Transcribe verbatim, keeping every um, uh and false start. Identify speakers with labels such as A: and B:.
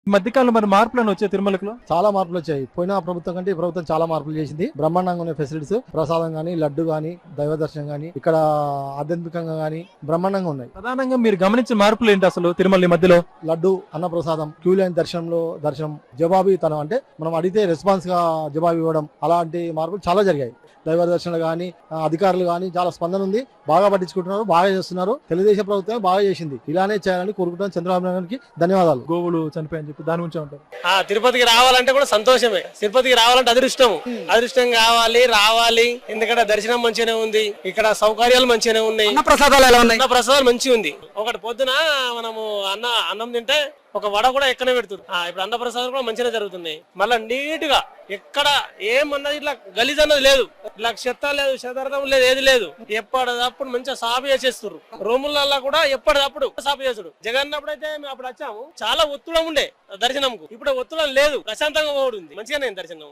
A: ఈ మధ్యకాలంలో మరి మార్పులను వచ్చాయి తిరుమలలో?
B: చాలా మార్పులు వచ్చాయి. పోయిన ప్రభుత్వం కంటే ఈ ప్రభుత్వం చాలా మార్పులు చేసింది. బ్రహ్మాండంగా ఉన్న ఫెసిలిటీస్, ప్రసాదం గానీ, లడ్డు గానీ, దైవ దర్శనం గానీ, ఇక్కడ ఆధ్యాత్మికంగా గానీ బ్రహ్మాండంగా ఉన్నాయి.
A: ప్రధానంగా మీరు గమనించిన మార్పులు ఏంటి అసలు తిరుమల ఈ మధ్యలో?
B: లడ్డు, అన్న ప్రసాదం, క్యూ లైన్ దర్శనంలో దర్శనం, జవాబీతనం అంటే మనం అడిగితే రెస్పాన్స్ గా జవాబు ఇవ్వడం, అలాంటి మార్పులు చాలా జరిగాయి. దైవ దర్శనాలు కానీ, అధికారులు కానీ చాలా స్పందన ఉంది. బాగా పట్టించుకుంటున్నారు, బాగా చేస్తున్నారు. తెలుగుదేశం ప్రభుత్వం బాగా చేసింది. ఇలానే చేయాలని కోరుకుంటున్నాను. చంద్రబాబు నాయుడు గారికి ధన్యవాదాలు.
A: గోవులు చనిపోయని చెప్పి దాని గురించి ఉంటారు.
C: ఆ తిరుపతికి రావాలంటే కూడా సంతోషమే. తిరుపతికి రావాలంటే అదృష్టం అదృష్టం కావాలి రావాలి. ఎందుకంటే దర్శనం మంచిగానే ఉంది, ఇక్కడ సౌకర్యాలు మంచిగానే ఉన్నాయి.
D: ప్రసాదాలు ఎలా ఉన్నాయి?
C: అన్న ప్రసాదాలు మంచిగా ఉంది. ఒకటి పొద్దున మనము అన్న అన్నం తింటే ఒక వడ కూడా ఎక్కనే పెడుతుంది. ఇప్పుడు అన్న ప్రసాదాలు కూడా మంచిగా జరుగుతున్నాయి. మళ్ళీ నీట్ గా ఎక్కడ ఏమన్నది ఇట్లా గలీజ్ అన్నది లేదు, ఇట్లా చెత్త లేదు, చెదార్థం లేదు, ఏది లేదు. ఎప్పటిదప్పుడు మంచిగా సాపు చేసేస్తారు. రూములలో కూడా ఎప్పటిదప్పుడు సాపు చేసుడు. జగన్ అప్పుడైతే మేము అప్పుడు వచ్చాము, చాలా ఒత్తుడం ఉండే దర్శనంకు. ఇప్పుడు ఒత్తుడం లేదు, ప్రశాంతంగా పోవడం ఉంది. మంచిగానే దర్శనం.